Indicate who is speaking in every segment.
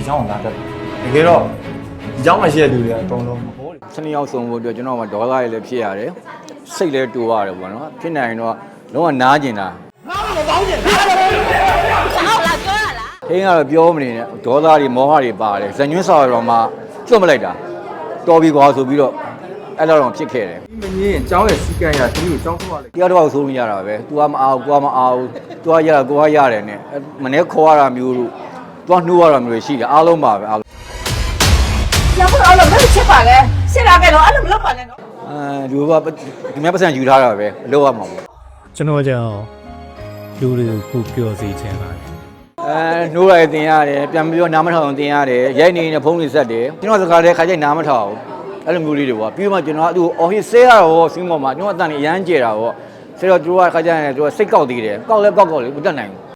Speaker 1: ဒီချောင်းလာတတ်တယ်တကယ်တော့ဒီချောင်းမှာရှိတဲ့လူတွေကအကုန်လုံးဟို
Speaker 2: စနေရောက်ဆုံးဖို့အတွက်ကျွန်တော်ကဒေါသရည်လည်းဖြစ်ရတယ်စိတ်လည်းတူရတယ်ပေါ့နော်ဖြစ်နိုင်တော့လုံးဝနားကျင်တာငါ့ကိုမပေါင်းကျင်လားဟုတ်လားပြောရလားခင်းကတော့ပြောမနေနဲ့ဒေါသတွေမောဟတွေပါတယ်ဇညွှန်းစာတော်မှာကျွတ်မလိုက်တာတော်ပြီကွာဆိုပြီးတော့အဲ့လိုတော့ဖြစ်ခဲ့တယ်
Speaker 1: မင်းရင်ကျောင်းရဲ့စီကံရသူ့ကိုကျောင်းထုတ်ရလိုက်
Speaker 2: တရားတော်ဆိုလို့ရတာပဲ तू ကမအောင်ကိုကမအောင် तू ကရတာကိုကရတယ်နဲ့မနေ့ခေါ်ရတာမျိုးလို့ तू ကနှိုးရတာမျိုးရှိတယ်အားလုံးပါပဲအားလုံး
Speaker 3: 要不然我们吃饭嘞，现在该弄，俺们老饭嘞弄。
Speaker 2: လူကဒီမြတ်ပတ်စံယူထားတာပဲအလုပ်ရမှာပေါ့
Speaker 4: ကျွန်တော်ကြောင့်လူတွေကိုပျော်စေချင်ပါတယ်
Speaker 2: နှိုးလိုက်တင်ရတယ်ပြန်ပြီးတော့နားမထောင်တင်ရတယ်ရိုက်နေတဲ့ဖုန်းတွေဆက်တယ်ကျွန်တော်စကားတဲ့ခါကျနားမထောင်အဲ့လိုမျိုးလေးတွေပေါ့ပြီးမှကျွန်တော်သူအော်ဟစ်ဆဲရတော့စီးမော်မှာကျွန်တော်အတန်နေအရမ်းကျဲတာပေါ့ဆဲတော့သူကခါကျရင်သူကစိတ်ကောက်သေးတယ်ကောက်လဲကောက်လေးမတက်နိုင်ဘူး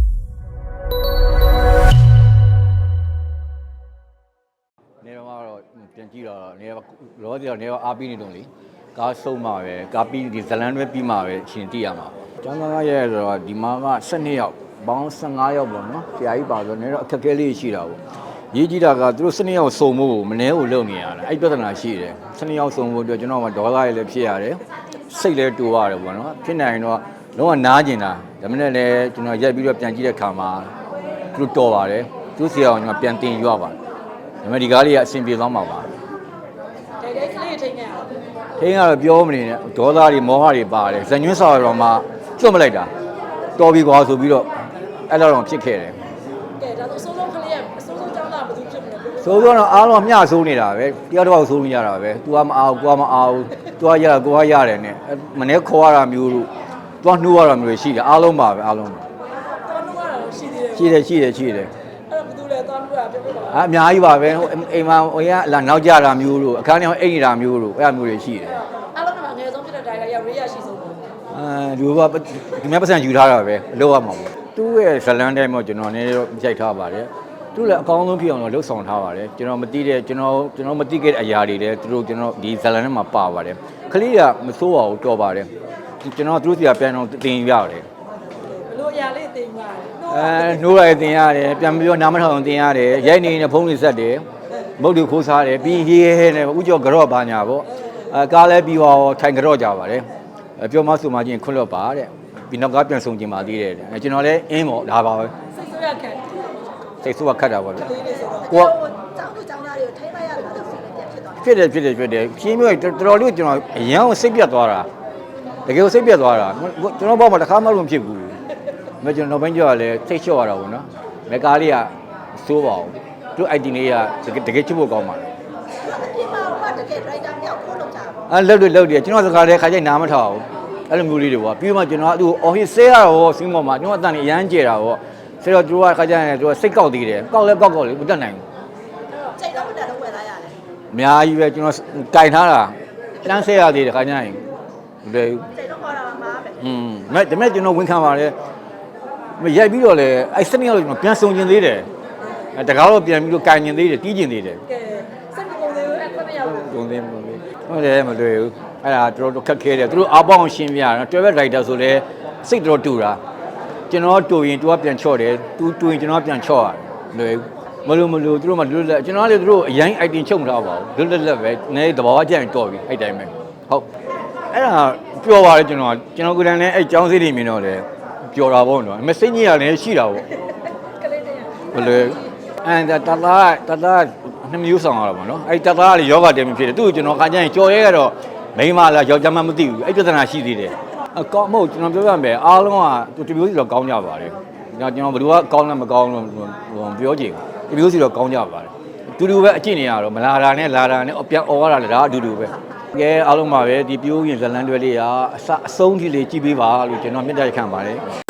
Speaker 2: နေတော့ကတော့ပြန်ကြည့်တော့နေလောစီတော့နေတော့အားပြီးနေတော့လေကားဆုံးမှာပဲကားပြီးဒီဇလန်တွဲပြီးမှာပဲရှင်တိရမှာကျောင်းသားရဲ့ဆိုတော့ဒီမှာက12ယောက်ပေါင်း15ယောက်ပေါ့နော်ဆရာကြီးပါဆိုနေတော့အခက်အခဲလေးရှိတာပေါ့ရေးကြည့်တာကသူတို့12ယောက်စုံဖို့မနှဲကိုလုပ်နေရတာအဲ့ပြဿနာရှိတယ်12ယောက်စုံဖို့အတွက်ကျွန်တော်ကဒေါသရည်လည်းဖြစ်ရတယ်စိတ်လည်းတူရတယ်ပေါ့နော်ဖြစ်နိုင်တော့လုံးဝနားကျင်တာဒါမှမဟုတ်လည်းကျွန်တော်ရက်ပြီးတော့ပြန်ကြည့်တဲ့ခါမှာသူတို့တော်ပါတယ်သူဆရာကကျွန်တော်ပြန်တင်ရွပါတယ်ဒါပေမဲ့ဒီကားလေးကအဆင်ပြေသွားမှာပါ
Speaker 3: ကလေးထိန်းနေရအောင်
Speaker 2: ခင်းကတော့ပြောမနေနဲ့ဒေါသတွေမောဟတွေပါတယ်ဇညွှန်းစာတော်မှာကျွတ်မလိုက်တာတော်ပြီကွာဆိုပြီးတော့အဲ့လိုတော့ဖြစ်ခဲ့တယ်
Speaker 3: ကဲဒါဆိုအစိုးဆုံးကလေးကအစိုးဆုံးကျောင်းသားဘယ်သူဖြစ်မလဲ
Speaker 2: ဆိုတော့အားလုံးမျှဆိုးနေတာပဲတရားတော်ဆိုးလို့ရတာပဲ तू ကမအောင်ကိုကမအောင် तू ကရတာကိုကရတယ်နဲ့မနေ့ခေါ်ရတာမျိုးလို့ तू ကနှိုးရတာမျိုးရှိတယ်အားလုံးပါပဲအားလုံး
Speaker 3: တော်နှိုးရတာရှိသေးတယ်
Speaker 2: ရှိတယ်အဲ့တော့
Speaker 3: ဘယ်သူလဲတော်နှိုးရပြောပြပါ
Speaker 2: အများကြီးပါပဲအိမ်မှာဟိုရလာနောက်ကြတာမျိုးလို့အခန်းထဲအိမ်နေတာမျိုးလို့အဲ့လိုမျိုးတွေရှိတယ်
Speaker 3: အားလုံးကငယ်ဆုံးဖြစ်တဲ့တိုင်ကရောက်ရေးရရှိဆုံးပေါ့
Speaker 2: လူကဒီမြတ်ပတ်စံယူထားတာပဲအလုပ်ရမှာပေါ့သူ့ရဲ့ဇလန်တိုင်းမှာကျွန်တော်နည်းနည်းတော့ကြိုက်ထားပါတယ်သူလည်းအကောင်းဆုံးဖြစ်အောင်တော့လှုပ်ဆောင်ထားပါတယ်ကျွန်တော်မသိတဲ့ကျွန်တော်မသိခဲ့တဲ့အရာတွေလည်းသူတို့ကျွန်တော်ဒီဇလန်ထဲမှာပါပါတယ်ခလေးကမစိုးပါဘူးတော်ပါတယ်ကျွန်တော်သူတို့စီကပြန်တော့တင်ရတယ်
Speaker 3: ဘလို့အရာလေးတင်ပါ
Speaker 2: နှိုးလိုက်တင်ရတယ်ပြန်ပြီးတော့နားမထောင်တင်ရတယ်ရိုက်နေတဲ့ဖုန်းတွေဆက်တယ်မုတ်တွေခိုးစားတယ်ပြီးဟေးဟဲနဲ့ဥကြောကြော့ပါညာပေါ့ကားလဲပြီးတော့ထိုင်ကြော့ကြပါတယ်ပြောမဆိုမှချင်းခွန့်လွတ်ပါတဲ့ပြီးနောက်ကားပြန်ဆုံကျင်ပါသေးတယ်ကျွန်တော်လည်းအင်းပေါ့ဒါပါပဲ
Speaker 3: စိတ်ဆိုးရခံ
Speaker 2: စိတ်ဆိုးကခတ်တာပေါ့ဗျ
Speaker 3: ကိုကကျောင်းသူကျောင်းသားတွေကိုထိမ့်လိုက်ရတာလို့ဆိုရင်ပြန်ဖြစ်သွား
Speaker 2: ဖြစ်တယ်ဖြင်းမျိုးတော်တော်လေးကျွန်တော်အရန်ကိုစိတ်ပြတ်သွားတာတကယ်ကိုစိတ်ပြတ်သွားတာကျွန်တော်ဘောမှာတစ်ခါမှမဖြစ်ဘူးမကျွန်တော်နောက်ပိုင်းကျတော့လည်းစိတ်လျှော့ရတာပေါ့နော်မကားလေးကစိုးပါဘူးသူ IT လေးကတကယ်ချစ်ဖို့ကောင်းပါလား
Speaker 3: အပြင်မှာကတကယ် driver မြောက်ခိုးလုပ်ကြပါ
Speaker 2: လုပ်တယ်ကျွန်တော်စကားတဲ့ခါကျနားမထောင်အဲ့လိုမျိုးလေးတွေပေါ့ပြီးမှကျွန်တော်သူအော်ဟစ်ဆဲရတော့စီးမော်မှာကျွန်တော်အတန်နေအရမ်းကျဲတာပေါ့ဆဲတော့သူကခါကျရင်သူကစိတ်ကောက်သေးတယ်ကောက်လဲကောက်လေးမတက်နိုင်ဘူး
Speaker 3: စိတ်တော့မတက်တော့ဝယ်လာရတယ်
Speaker 2: အများကြီးပဲကျွန်တော်ကင်ထားတာတန်းဆဲရသေးတယ်ခါကျရင်မလွယ်ဘူး
Speaker 3: စိတ်တော့ခေါ်တာမှာပဲ
Speaker 2: ဒါမဲ့ကျွန်တော်ဝန်ခံပါတယ်ရိုက်ပြီးတော့လေအဲ့စနေရောက်ကျွန်တော်ပြန်ဆုံကျင်သေးတယ်တကားတော့ပြန်ပြီးတော့ကင်ကျင်သေးတယ်တီးကျင်သေးတယ်
Speaker 3: ကဲစိတ်မကုန်သေးဘူးအဲ့9ရောက်
Speaker 2: ကုန်သေးမလို့ဟုတ်တယ်မလွယ်ဘူးအဲ့ဒါတော်တော်ခက်ခဲတယ်သူတို့အားပေါင်းရှင်းပြတာတွဲဘက်ဒရိုက်တာဆိုလဲစိတ်တော်တူတာကျွန်တော်တူရင် तू ကပြန်ချော့တယ် तू တူရင်ကျွန်တော်ပြန်ချော့ရတယ်လွယ်မလို့သူတို့မှလွတ်လက်ကျွန်တော်လည်းသူတို့အရင် item ချုပ်မထားပါဘူးလွတ်လက်ပဲနည်းသဘာဝကြရင်တော်ပြီအဲ့တိုင်းပဲဟုတ်အဲ့ဒါပျော်ပါတယ်ကျွန်တော်ကိုယ်တိုင်လည်းအဲ့ចောင်းစည်းတွေမြင်တော့လေပျော်တာပေါ့နော်မစိတ်ကြီးရလည်းရှိတာပေါ့
Speaker 3: ကလေးတည်း
Speaker 2: ဘယ်လိုအဲ့ဒါတသားနှစ်မျိုးဆောင်ရတာပေါ့နော်အဲ့တသားကလေယောဂတယ်မဖြစ်တယ်သူ့ကိုကျွန်တော်ခါကျရင်ကြော်ရဲရတော့မိန်းမလားယောက်ျားမမသိဘူးအဲ့ပြဿနာရှိသေးတယ်အကောင်းမဟုတ်ကျွန်တော်ပြောပြမယ်အားလုံးကသူတမျိုးစီတော့ကောင်းကြပါတယ်ကျွန်တော်ဘယ်သူကကောင်းလဲမကောင်းလို့ပြောကြည့်တမျိုးစီတော့ကောင်းကြပါတယ်တူတူပဲအကျင့်နေရတော့မလာတာနဲ့လာတာနဲ့ပြန်អော်ရတာလေဒါအတူတူပဲကဲအားလုံးပါပဲဒီပြိုးရင်ဇလန်တွဲလေးကအဆုံးထိလေးကြည့်ပေးပါလို့ကျွန်တော်မြတ်တရခံပါတယ်